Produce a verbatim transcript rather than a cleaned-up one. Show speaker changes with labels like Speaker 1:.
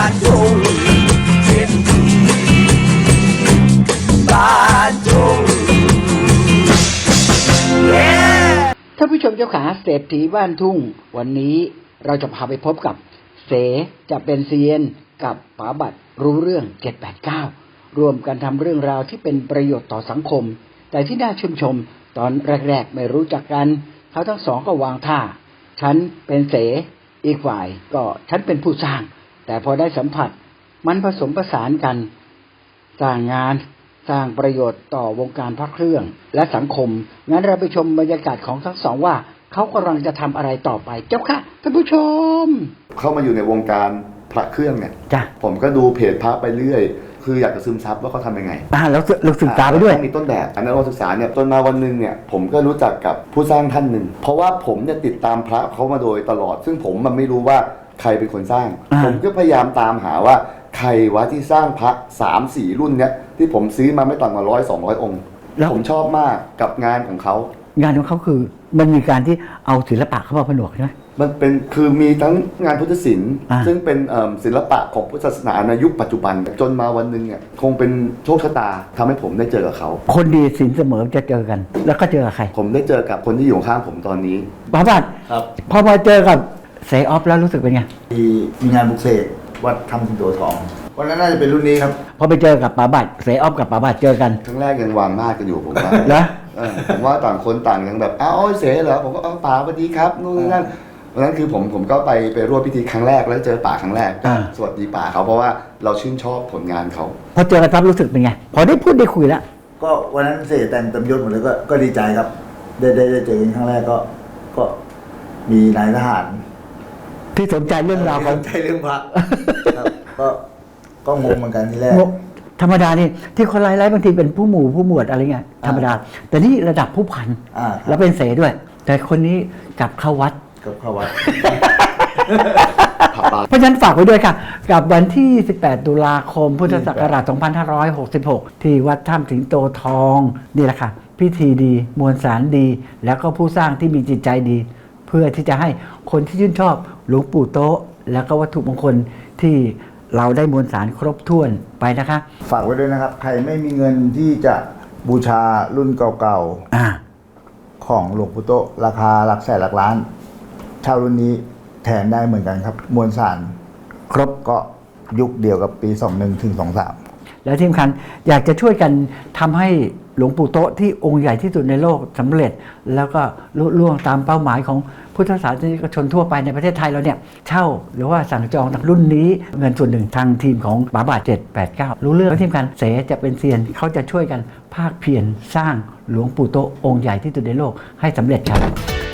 Speaker 1: านทุ่งเศรษฐีบ้านทุ่ง
Speaker 2: ท่านผู้ชมเจ้าขาเศรษฐีบ้านทุ่งวันนี้เราจะพาไปพบกับเสจะเป็นเซียนกับป๋าบัตรรู้เรื่องเจ็ดแปดเก้ารวมกันทำเรื่องราวที่เป็นประโยชน์ต่อสังคมแต่ที่น่าชื่นชมตอนแรกๆไม่รู้จักกันเขาทั้งสองก็วางท่าฉันเป็นเสอีกฝ่ายก็ฉันเป็นผู้สร้างแต่พอได้สัมผัสมันผสมผสานกันสร้างงานสร้างประโยชน์ต่อวงการพระเครื่องและสังคมงั้นเราไปชมบรรยากาศของทั้งสองว่าเขากำลังจะทำอะไรต่อไปเจ้าค่ะท่านผู้ชม
Speaker 3: เข้ามาอยู่ในวงการพระเครื่องเนี่ยจ้ะผมก็ดูเพจพระไปเรื่อยคืออยากจะซึมซับว่าเขาทำยังไง
Speaker 2: อ่าแล้วเราศึกษาไปด้วย
Speaker 3: ต้องมีต้นแบบอันนั้นเราศึกษาเนี่ยจนมาวันหนึ่งเนี่ยผมก็รู้จักกับผู้สร้างท่านหนึ่งเพราะว่าผมเนี่ยติดตามพระเขามาโดยตลอดซึ่งผมมันไม่รู้ว่าใครเป็นคนสร้างผมก็พยายามตามหาว่าใครวะที่สร้างพระสามสี่รุ่นเนี้ยที่ผมซื้อมาไม่ต่ำกว่าร้อยสองร้อยองค์ผมชอบมากกับงานของเขา
Speaker 2: งานของเขาคือมันมีการที่เอาศิลปะเข้ามาผนวกใช่ไหม
Speaker 3: มันเป็นคือมีทั้งงานพุทธศิลป์ซึ่งเป็นศิลปะของพุทธศาสนาในยุคปัจจุบันจนมาวันหนึ่งเนี่ยคงเป็นโชคชะตาทำให้ผมได้เจอกับเขา
Speaker 2: คนดีศีลเสมอจะเจอกันแล้วก็เจอกับใคร
Speaker 3: ผมได้เจอกับคนที่อยู่ข้างผมตอนนี้
Speaker 2: ป๋าบัตร
Speaker 4: ครับ
Speaker 2: พอมาเจอกับเสออฟแล้วรู้สึกเป็นไง
Speaker 4: มีมีงานบุกเสกวัดทำสิงโตทองวันนั้นน่าจะเป็นรุ่นนี้ครับ
Speaker 2: พอไปเจอกับป๋าบัตรเสออฟกับป๋าบัตรเจอกัน
Speaker 3: ครั้งแรกยังวางมาดกันอยู่ผมว่า
Speaker 2: เหรอ
Speaker 3: ผมว่าต่างคนต่างยังแบบอ้าวเสเหรอผมก็อ้าวป๋าสวัสดีครับนู่นนี่นั่นวันนั้นคือผมผมก็ไปไปร่วมพิธีครั้งแรกแล้วเจอป๋าครั้งแรกสวัสดีป๋าเขาเพราะว่าเราชื่นชอบผลงานเขา
Speaker 2: พอเจอกันปั๊บรู้สึกเป็นไงพอได้พูดได้คุยแล้ว
Speaker 4: ก็วันนั้นเสแต่งเต็มยศหมดเลยก็ก็ดีใจครับได้ได้ได้เจอกันครั้งแรกก็ก็มีนายทหาร
Speaker 2: ที่สนใจเรื่องราว
Speaker 4: สนใจเรื่องพระก็ก็งงเหมือนกันทีแรก
Speaker 2: ธรรมดานี่ที่คนไล่ๆบางทีเป็นผู้หมู่ผู้หมวดอะไรเงี้ยธรรมดาแต่นี่ระดับผู้พันแล้วเป็นเสด้วยแต่คนนี้จับเข้าวัด
Speaker 4: กับเข้าวัด
Speaker 2: เพราะฉะนั้นฝากไว้ด้วยค่ะกับวันที่สิบแปดตุลาคมพุทธศักราชสองพันห้าร้อยหกสิบหกที่วัดถ้ำสิงโตทองนี่แหละค่ะพิธีดีมวลสารดีแล้วก็ผู้สร้างที่มีจิตใจดีเพื่อที่จะให้คนที่ชื่นชอบหลวงปู่โต๊ะแล้วก็วัตถุมงคลที่เราได้มวลสารครบถ้วนไปนะคะ
Speaker 4: ฝากไว้ด้วยนะครับใครไม่มีเงินที่จะบูชารุ่นเก่าๆของหลวงปู่โต๊ะราคาหลักแสนหลักล้านเช่ารุ่นนี้แทนได้เหมือนกันครับมวลสารครบก็ยุคเดียวกับปีสองสิบเอ็ดถึงสองสิบสาม
Speaker 2: แล้วที่สำคัญอยากจะช่วยกันทำให้หลวงปู่โต๊ะที่องค์ใหญ่ที่สุดในโลกสำเร็จแล้วก็ลุล่วงตามเป้าหมายของพุทธศาสนิกชนทั่วไปในประเทศไทยเราเนี่ยเช่าหรือว่าสั่งจองจากรุ่นนี้เงินส่วนหนึ่งทางทีมของป๋าบัตรเจ็ดแปดเก้ารู้เรื่องแล้วที่สำคัญเสจะเป็นเซียนเขาจะช่วยกันภาคเพียรสร้างหลวงปู่โต๊ะองค์ใหญ่ที่สุดในโลกให้สำเร็จครับ